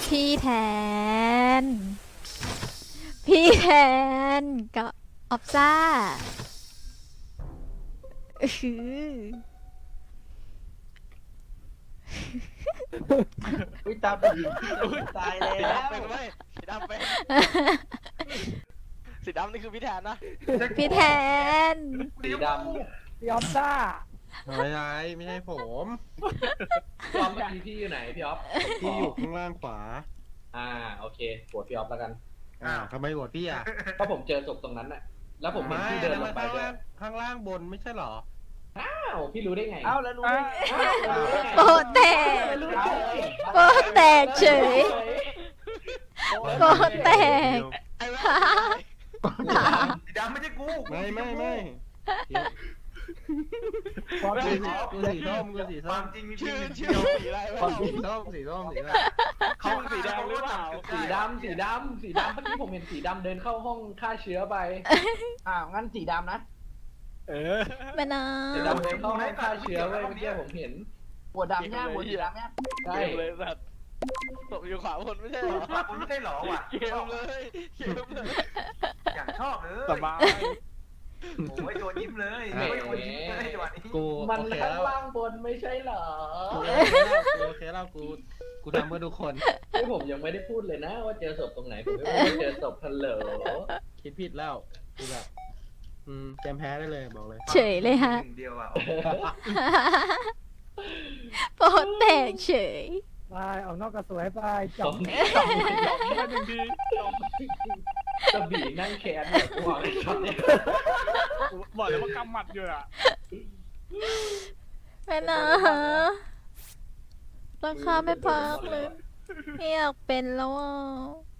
พี่แทน พี่แทนกับออฟซ่าอื้อหืออุ้ยตาไปยิงตายแล้วสีดำเป็นไหมสีดำเป็นสีดำนี่คือพี่แทนนะพี่แทนสีดพี่ออฟซ่าไม่ใช่ไม่ใช่ผมำพี่ออฟเมื่อกี้พี่อยู่ไหนพี่ออฟพี่อยู่ข้างล่างขวาโอเคโหวตพี่ออฟแล้วกันทำไมโหวตพี่อ่ะเพราะผมเจอศพตรงนั้นน่ะแล้วผมเห็นพี่เดินลงไปด้วยข้างล่างบนไม่ใช่เหรออ้าวพี่รู้ได้ไงเอ้าแล้วรู้ได้ไงโปะแตก โป๊ะแตกเฉย โป๊ะแตกไอ้แม่สีดำไม่ใช่กูไม่กูสีส้มกูสีคส้วาม มจริงมีชื่อเพีชื่ยองเดียวสีอะไรวะสีส้มสีอะไรเขาสีแดงหรือเปล่าสีดำเมื่อกี้ผมเห็นสีดำเดินเข้าห้องฆ่าเชื้อไปงั้นสีดำนะแม่น้สีดำเดินเข้าห้องฆ่าเชื้อไว้เมื่อกี้ผมเห็นหัวดำเนี่ยหัวสีดำเนี่ยใช่เกมเลยสัตว์ตบอยู่ขวาบนไม่ใช่เหรอผมไม่ได้หรอว่ะเกมเลยเกมเลยอย่างชอบเลยสบายโอ้ยโดนยิ้มเลยโอ้ยโดนยิ้มเลยจังหวะนี้กูมันโอเคข้างแล้วล่างบนไม่ใช่เหรอกูโอเคแล้วกูทำเพื่อทุกคนที่ผมยังไม่ได้พูดเลยนะว่าเจอศพตรงไหนผมไม่รู้ว่าเจอศพทันเหลอคิดผิดแล้วกูแบบแจมแพ้ได้เลยบอกเลยำเฉยเลยฮะหนึ่งเดียวอ่ะโป๊ะแตกเฉยไปออกนอกกระสวยไปจสบองหนึ่งทีกระบี่นั่งแขนเนี่ยกูบอกเลยช็อตเนี่ยบอกเลยว่ากำหมัดอยู่อะแม่น้ราคาไม่พักเลยไม่อยากเป็นแล้วอ่ะ